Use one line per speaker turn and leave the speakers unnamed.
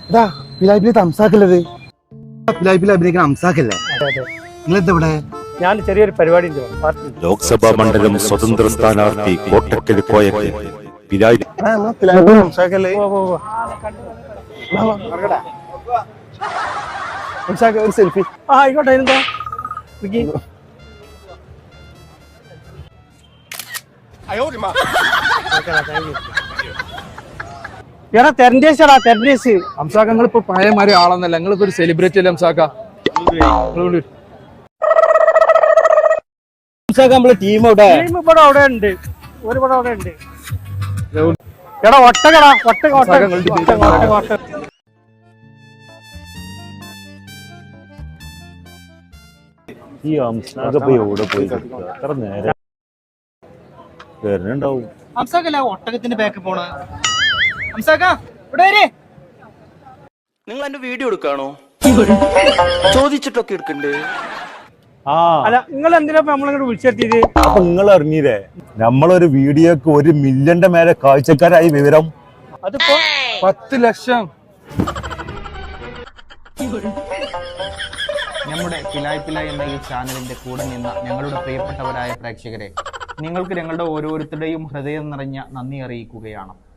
ഇതാ പിലായിപ്പിൽ തംസാക്കല്ലത് പിലായിപ്പിൽ അഭിനയിക്കുന്ന അംസാക്കല്ലേ നിങ്ങളെന്താ ഇവിടെ?
ഞാൻ ചെറിയൊരു പരിപാടി
ലോക്സഭാ മണ്ഡലം സ്വതന്ത്ര സ്ഥാനാർത്ഥി കോട്ടക്കൽ കോയക്കൽ
ഒരു സെൽഫി.
ആയിക്കോട്ടെ. എന്താ എടാ തെരഞ്ഞേശടാ തെരഞ്ഞേശ്.
അംസാക്ക നിങ്ങളിപ്പോ പഴയമാരി ആളെന്നല്ല, നിങ്ങളിപ്പോ ഒരു സെലിബ്രിറ്റി അല്ലേ അംസാക്ക?
നമ്മളെ ടീം ഇവിടെ അവിടെ ഉണ്ട്, ഒരുപാട് അവിടെ ഉണ്ട്. എടാ ഒട്ടകടാ ഒട്ടക ഒട്ടക.
ഈ അംസാക്ക എവിടെ പോയി എത്ര നേരം വരുന്നുണ്ടാവും?
അംസാക്കല്ല ഒട്ടകത്തിന്റെ ബാക്ക് പോണ അംസാക്ക ഇവിടെ വരെ.
നിങ്ങൾ എന്റെ വീഡിയോ എടുക്കാണോ? ചോദിച്ചിട്ടൊക്കെ എടുക്കണ്ടേ?
അല്ല നിങ്ങൾ എന്തിനാ നമ്മളിങ്ങോട്ട് വിളിച്ചെത്തിയത്?
അപ്പൊ നിങ്ങൾ അറിഞ്ഞില്ലേ നമ്മളൊരു വീഡിയോക്ക് 1 മില്യന്റെ മേലെ കാഴ്ചക്കാരായി വിവരം?
അതിപ്പോ
10 ലക്ഷം.
നമ്മുടെ പിലായ് പിലായ് എന്ന ഈ ചാനലിന്റെ കൂടെ നിന്ന ഞങ്ങളുടെ പ്രിയപ്പെട്ടവരായ പ്രേക്ഷകരെ, നിങ്ങൾക്ക് ഞങ്ങളുടെ ഓരോരുത്തരുടെയും ഹൃദയം നിറഞ്ഞ നന്ദി അറിയിക്കുകയാണ്.